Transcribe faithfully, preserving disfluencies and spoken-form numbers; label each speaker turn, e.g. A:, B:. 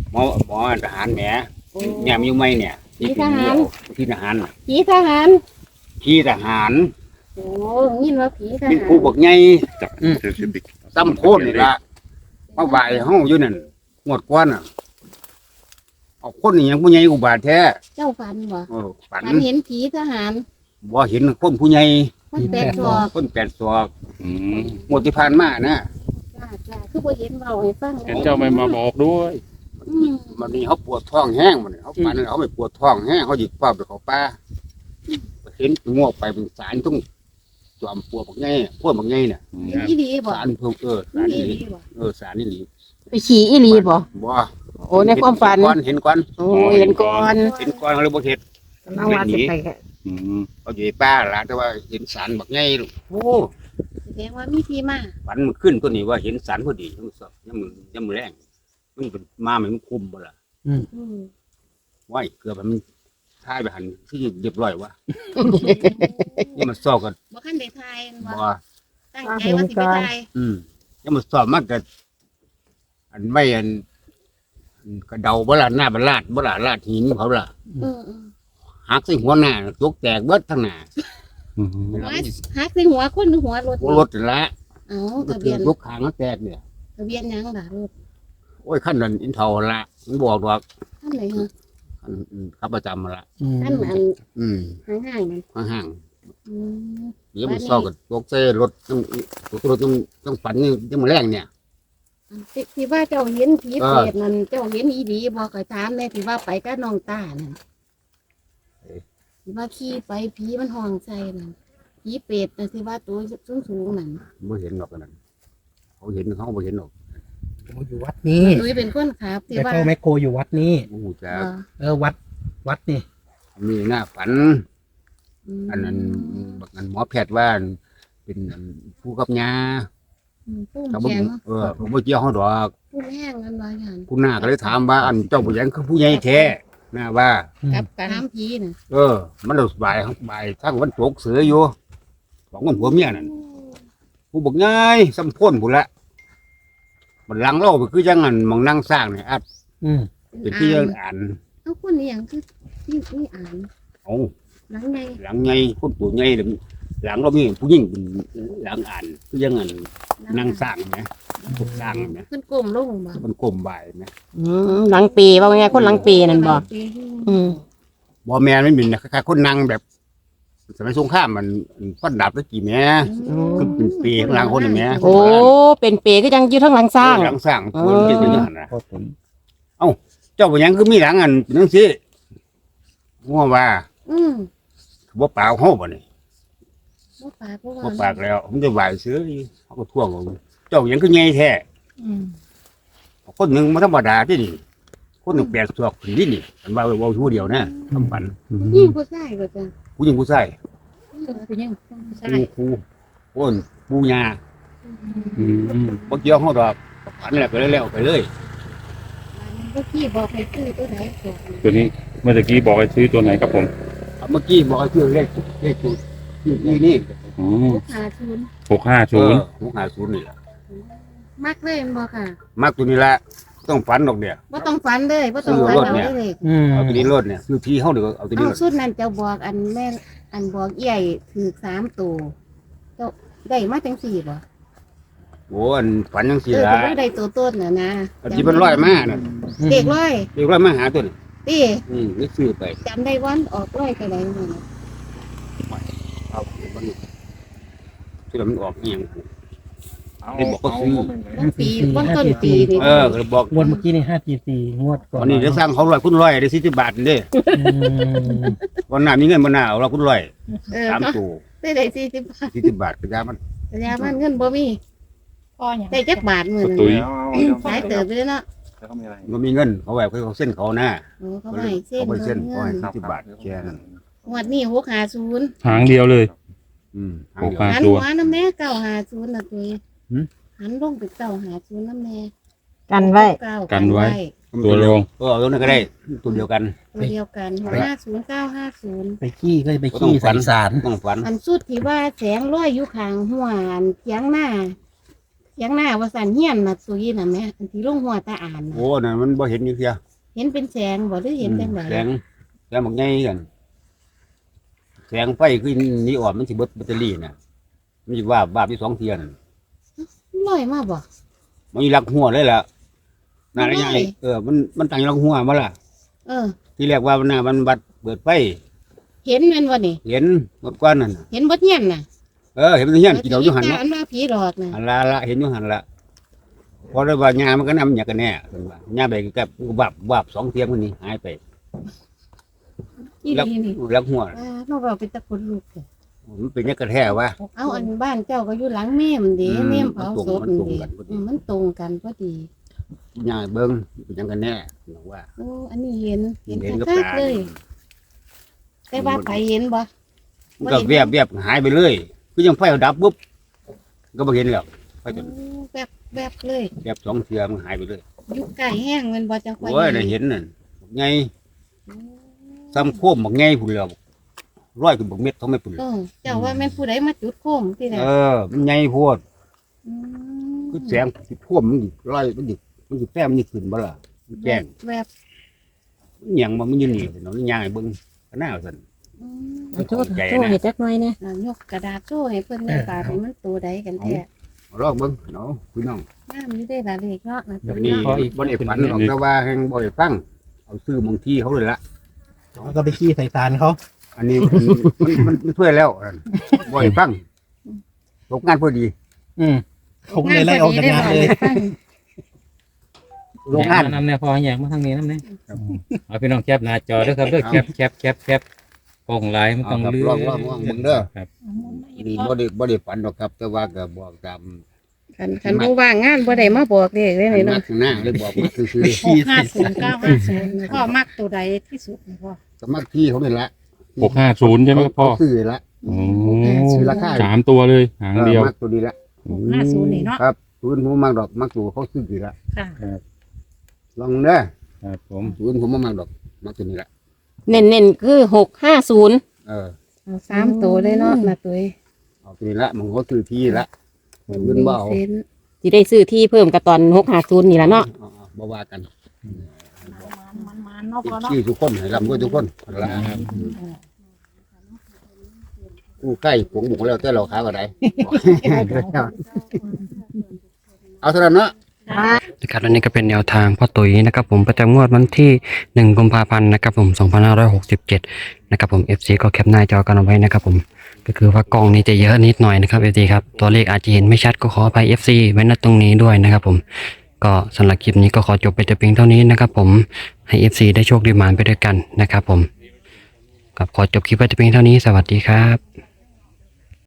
A: หมอหมอทหารแหมเนี่ยมีอยู่ไหมเนี่ยที่ทหารที่ทหาร
B: ผีทหาร
A: ที่ทหาร
B: โอ้ยินว่าผีทหาร
A: เป็นผู้บักใหญ่ซ้ำโคนนี่ละมาบ่ายห้องอยู่นั่นงวดก้อนอ่ะเอาคนนี่ยังผู้ใหญ่อุบาทแท้
B: เจ้าฝันบ่
A: เออฝัน
B: ฝันเห็นผีทหาร
A: บ่เห็นคนผู้ใหญ่
B: มันแปลกศอก
A: คนแปดศอกงวดที่ผ่านมานะ
B: จ้าจ้าคือบ่เห็นเบาให้ฟัง
C: เห็นเจ้าไม่มาบอกด้วย
B: อืม
A: มันนี่เขาปวดท้องแห้งมันเขาฝันเขาไม่ปวดท้องแห้งเขาหยิบป้าไปเขาป้าเห็นงวกไปเป็นสารต้องจอมปวดบักใหญ่พวกบักใหญ่เนี่ย
B: อีหลีบ่
A: สารเพิ่มเออสาร
B: อี
A: นี่
B: หลีบ่
A: เออสารนี่หลี
D: ไปขี่อีหลีบ่
A: บ่
D: โอ้ในความฝัน
A: ก้อนเห็นก้อน
D: โอ้เห็นก่อน
A: เห็นก้อนเขาเลยบ่เห็น
D: น้องว่าสิไป
C: อืม
A: เขาอยู่ในป้าละแต่ว่าเห็นสารบักใหญ่ลูกโอ้
B: แสดงว่ามีที่มา
A: ฝันมันขึ้นตัวนี้ว่าเห็นสารพอดียังสอบยังมือยังมือแรงมันเป็นมาเหมือนคุมบ่ล่ะ
B: อืม
A: ว้ายเกือบมันท้ายไปหันที่เรียบร้อยวะยังมันสอบกัน
B: บ่คันได้ทายบ่
A: บ่
B: ตั้งใจว่าสิไปทาย
A: อืมยังมันสอบมากกับอันไม่อันอันกระเดาบ่ล่ะหน้าบลาดบ่ล่ะลาดหินเขาล่ะ
B: เออ
A: หักใส่หัวหน้าตกแตกเบิดทั้งหน้า
C: อืม
B: ๆหัวหักใส่หัวคนหรือหัวรถ
A: หัวรถนั่นละ
B: เอ้า
A: ก็
B: ทะ
A: ถื
B: เบี
A: อย
B: น
A: ทุกขางก็แตกเนี่ย
B: ทะเบียนหยังล่ะรถ
A: โอ้ยขั้นนั้นอินเทาละมันบอกว่า
B: ท่านไหนฮะ
A: ขั้นอืมขับประจำมาละ
B: ท่านอัน
A: อืม
B: ห่างๆนั่น
A: ห่าง
B: อืม
A: ๆเดี๋ยวมันซ้อกับตกเส้รถต้องรถต้องต้องฝันนี่ยังมาแรงเนี่ย
B: ที่ที่ว่าเจ้าเห็นผี
A: เออ
B: เปรตนั่นเจ้าเห็นอีดีบ่ก็ถามแม่ที่ว่าไปกับน้องตานั่นที่ว่าขี่ไปผีมันห้องใส่นั่นผีเปรตน่ะที่ว่าตัวสูงๆนั่น
A: ไม่เห็นหรอกอันนั้นเขาเห็นเขาไม่เห็นหรอก
E: ผมอยู่วัดนี้
B: ตุ้ยเป็นคนขับที่
E: แต่
B: ว่า
E: พ่อแม่โคอยู่วัดนี้
A: โอ้โหจ้า
B: เออ
E: เออวัดวัดนี่
A: มีหน้าฝัน
B: ม
A: อันนั้นบางอันหมอแพทย์ว่าเป็นอันผู้กับยา
B: อืมผู้
A: เขาบอก
B: แข็ง
A: เออเขาบอกเกี่ยวเขาดอก
B: ผู้แห้งกันว่าอย่าง
A: คุณหน้าก็เลยถามว่าอันเจ้าผู้ใหญ่คือผู้ใหญ่แท้หน้าว่า
B: กับการน้ำผีน่ะ
A: เออ มันเราบ่ายบ่ายทั้งวันตกเสืออยู่สองคนผัวเมียนั่นผู้บอกง่ายสัมพ้นผู้ละมันหลังเล่าไปคือยังอันมองนั่งสร้างเนี่ยอัด
E: อืม
A: เป็นที่ยังอ่าน
B: เอาคนนี้อย่างคือที่นี่อ่าน
A: เอา
B: หลังใน
A: หลังไงคนตัวไงหลังเรามีผู้หญิงเป็นหลังอ่านคือยังอันนั่งสร้างนะพวกสร้างนะ
B: ขึ้นกลมลงบ่
A: มันกลมบ่ายนะ
D: อืมหลังปีว่าไงคนหลังปีนั่นบ่อืม
A: บ่แม่นไม่มีนะคล้ายๆคนนั่งแบบสมัยสงครามมันฟันดาบตะกี้แม่คือเป็นปีข้างหลังคนนี่แม่
D: โอ้เป็นเปก็ยังอยู่ทั้งหลังสร้าง
A: หลังสร้างคนที่เป็นอย่างนั้นนะ
E: พ่อผม
A: เจ้าเป็นหยังคือมีหลังอันเป็นจังซี่งัวว่า
B: อืม
A: บ่ปากเฮาบ่นี่
B: บ่ปากบ่
A: บ่
B: ว่า
A: ปากแล้วผมจะไหวซื้ออยู่เขาก็ท่วงเอาเจ้าหยังคือใหญ่แท้
B: อืม
A: คนหนึงบ่ธรรมดาที่นี่คนหนึงแปดศอกขึ้นนี่นี่มันว่าเว้าผู้เดียวนะทำฝัน
B: ยิ่งผู้ชายก็จะ
A: ผู้หญิงผู้ชาย
B: เออเป็นยังผู้ชา
A: ปู
B: ย
A: ครูโอ้นปูยา
C: อืม
A: บ่เกี่ยวเฮาดอกฝันแล้วไปแล้วไปเลย
B: เมื่อกี้บอกให้ซื้อตัวไหนก่อน
C: ตัวนี้เมื่อกี้บอกให้ซื้อตัวไหนครับผม
A: เอาเมื่อกี้บอกให้ชื่อเลขเลขจุดชื่อนี่นี่
C: อ๋อ
B: ลูกค้าชุน
C: หกห้า
A: เอ
C: ศูน
A: อ
C: ย์
A: หกห้าศูนย์นี่แหละ
B: มักเลยแม่นบ่ค่ะ
A: มักตัวนี้ละต้องฝันดอกเนี่ย
B: บ่ต้องฝันเลยบ่ต้องฝันเอาเลย
E: อืม
A: เอาตัวนี้รถเนี่ยคือที่เฮาเดี๋ยวเอาตัวนี้
B: เอา
A: รถ
B: ชุดนั้นเจ้าบอกอันแม่นอันบอกใหญ่ถือสามตัวเจ้าได้มาจังสี่บ่
A: โอ้อันฝันจัง
B: เอ
A: ซี่
B: อ
A: ล่ะ
B: แต่ว่าได้ตัวต้นน่ะนะ
A: อันที่มันร้อยมาน่ะ
B: เด็กร้อย
A: เรียกร้อยมาหาตัวนี้
B: ตี
A: อืมนี่ซื้อไป
B: จำได้วันออกร้อยไปไหนมา
A: เอามันที่มันออกเอียงได้บอกก็ซื้อ
B: วันปีวันต้นปีนี่
A: เออก็บอก
E: งวดเมื่อกี้นี่ห้าจีสี่งวดก่อน
A: วันนี้จะสร้างเขาร้อยคุณร้อยได้สี่สิบบาทนี่เด้
E: อืม
A: วันหน้ามีเงินบ่หน้าเอาเราคุณร้อย
B: เออ
A: สาม
B: เนาะ
A: ตัว
B: ได้ได้สี่สิบบาท
A: สี่สิบบาทก็ยามัน
B: แต่ยามันเงินบ่มี
F: พ่ออย่าง
B: ได้จักบาทมื้อนั้น
C: ตุ้ย
B: สายเติบไปเลยเนาะ
A: มันมีเงินเขาแบบเขาเส้นเขาหน้า
B: โอ้เขาให้เส้น
A: เขาไปเส้น
B: เงิ
A: เขาให้
B: น
A: สี่สิบบาทแค่นั้น
B: งวดนี้หกห้าศูนย์
C: หางเดียวเลย
A: อืมทาง
C: หก
A: เดียว
C: ห้า
B: หัน
C: ตัว
B: หัวน้ำแม่เก้าห้าศูนย์น่ะตุ้ย
A: หืม
B: หันลงไปเก้าห้าศูนย์น้ำแม่
D: กันไว้
B: เก้า
C: กันไว้ ตัวรอง
A: เออเอาตัวนั้นก็ได้ตัวเดียวกัน
B: ตัวเดียวกันหกห้าศูนย์เก้าห้าศูนย์
E: ไปขี้ก็ไปขี้ใส่สาร
A: ต้องฝัน
B: อันสุดที่ว่าแสงลอยอยู่ข้างหัวอันเทียงหน้าถียงหน้าว่าสันเฮียนน่ะตุยน่ะแม่อันที่ลงหัวตาอ่านน่ะ
A: โอ้นั่นมันบ่เห็นอยู่เสีย
B: เห็นเป็นแสงบ่หรือเห็นจังได
A: แสงแสงบักใหญ่กันแสงไฟคือนีออนมันสิเบิดแบตเตอรี่น่ะมันสิว่าบาบที่สองเทียนน
B: ลอยมาบ่
A: มันอยู่หลักหัวเลยล่ะน่าละใหญ่
B: ไม่
A: เออมันมันตั้งอยู่หลักหัวมาล่ะ
B: เออ
A: ที่แรกว่ามันน่ะมันบัดเปิดไฟ
B: เห็นแม่นบ่นี่
A: เห็นเมื่อก่อนนั่นน่ะ
B: เห็นบ่เฮียนน่ะ
A: เออเห็นมันเฮียนกินเอาอยู่หัน
B: ผี
A: เนาะ
B: ตาอันว่าผีหลอกน่ะ
A: หันละละเห็นอยู่หันละพอได้ว่างามันก็นำอย่างกันแน่เพิ่นว่าหญ้าไปกับวับวับสองเทียมมันนี่หายไป
B: อี
A: แล้ว
B: นี่นี่
A: แล้วหัว
B: อ่าน้องเราเป็นตะคนลูกเด้อ
A: มันเป็นยังกระแท้วะ
B: เอาอันบ้านเจ้าก็อยู่หลังแม่มเด้
A: อืม
B: แม่มเผาศพ
A: มันตรง
B: เด้
A: กันพอดี
B: อืมมันตรงกันพอดี
A: หญ้าเบิ่งเป็นยังกันแน่บอกว่า
B: โอ้อันนี้เห็นเห็น
A: เห็นกับ
B: ชัด
A: ตา
B: ๆเลย แต่ว่าไปเห็นบ่
A: มันก็แวบแวบหายไปเลยคือยังไฟดับปุ๊บก็บ่เห็นแล้วไฟจน
B: โอ้แบบแบบเลย
A: แวบสองเทียมันหายไปเลย
B: อยู่ใกล้แห้งแมันบ่จังไฟ
A: โอ้ยได้เห็นนั่นไงซ้ำโคมบอกไงพุ่นแล้วร้อยกับบักเม็ดเท่าไม่พุ่น
B: เออเจ้าว่าแม่นผู้ใดมาจุดโคมที่ไหน
A: เออ มันไงโพด
B: ม
A: คือแสงสิท่วมมันดิร้อยมันดิมันดิแต้มมันดิขึ้นบ่ล่ะมันแจ้ง
B: แบบ
A: มันหยังบ่มันอยู่นี่เนาะมันย่างให้เบิ่งก็น่าสั่น
B: อืม
D: เอาโทษโทษเห็ดจักหน่อยเนี่ย
B: อ่ายกกระดาษโซ่ให้เพิ่นแม่ปาดให้มันตัวใดกันแท้
A: ลองเบิ่งเนาะพี่น้อง
B: น้ำอยู่ได้ละเลขเนาะนะ
A: แบบนี้บ่ได้ฝันหรอกแต่ว่าแห่งบ่ได้ฟังเอาซื้อบางที่เขาเลยละ
E: แล้วก็ไปขี้ใส่ตาลเขา
A: อันนี้มันมันมันมันช่วยแล้วอันบ่ได้ฟังตกงานพอดี
E: อืมผมเลยไล่ออกจากงานเลย
A: โรงงาน
C: นำเนี่ยพออยากมาทางนี้นำเนี่ยเอาพี่น้องแคปหน้าจอเด้อครับเด้อแคปแคปแคปแคปโป่งหลายมันต้อง
A: เอาครับ
C: เลื่
A: ลองลองลองเบิ่งเด้อ
C: ครับ
A: นี่บ่ได้บ่ได้ฝันหรอกครับ แต่ว่าก็บอกตาม
B: คันคันบ่ว่างงานบ่ได้มาบอกเลขเลยนี่
A: นั
B: เนาะ
A: กหน้าเลยบอกว่าคือคือ
B: หกห้าศูนย์เก้าห้าศูนย์พ่อมักตัวใดที่สุดพ่อ
A: สมัครที่เขาเป็นละ
C: หกห้าศูนย์ใช่ไหมครับพ่อ
A: เขาซื้อละ
C: โอ้
A: ซื้อราคา
C: สามตัวเลยหางเดียว
A: ออมักตัวนี้ละ
B: ห้าศูนย์นี่เนาะ
A: ครับศูนย์ผมมักดอกมักตัวเขาซื้อกี่ละ
B: ค่ะ
A: ลองเด้อ
C: ครับผม
A: ศูนย์ผมบ่มักดอกมักตัวนี้ละ
D: เน้นเน้นๆคือหกห้าศูนย์
A: เออ
B: เอาสามตัวเลยเนาะนะตัว
A: เอาตัวนี้ละมันเขาซื้อที่ละเงินบ่เอา
B: เซน
D: ที่ได้ซื้อที่เพิ่มกับตอนหกห้าศูนย์นี่แหละเนาะ
A: เอาเอาบ่ว่ากัน
B: มันมันเนาะพ่อเนาะ
A: ที่ทุกคนให้ร่ำรวยทุกคนละกู้ใกล้ผงหมูแล้วแต่เราขายก็ได้ เอาเท่านั้นเนาะ
F: นะครับอันนี้ก็เป็นแนวทางพ่อตุ๋ยนะครับผมประจำงวดวันที่หนึ่งกุมภาพันธ์นะครับผมสองพันห้าร้อยหกสิบเจ็ดนะครับผม เอฟ ซี ก็แคปหน้าจอกันเอาไว้นะครับผมก็คือว่ากล้องนี้จะเยอะนิดหน่อยนะครับ เอฟ ซี ครับตัวเลขอาจจะเห็นไม่ชัดก็ขออภัย เอฟ ซี ไว้ณตรงนี้ด้วยนะครับผมก็สำหรับคลิปนี้ก็ขอจบไปแต่เพียงเท่านี้นะครับผมให้ เอฟ ซี ได้โชคดีหมานไปด้วยกันนะครับผมกับขอจบคลิปไปแต่เพียงเท่านี้สวัสดีครับ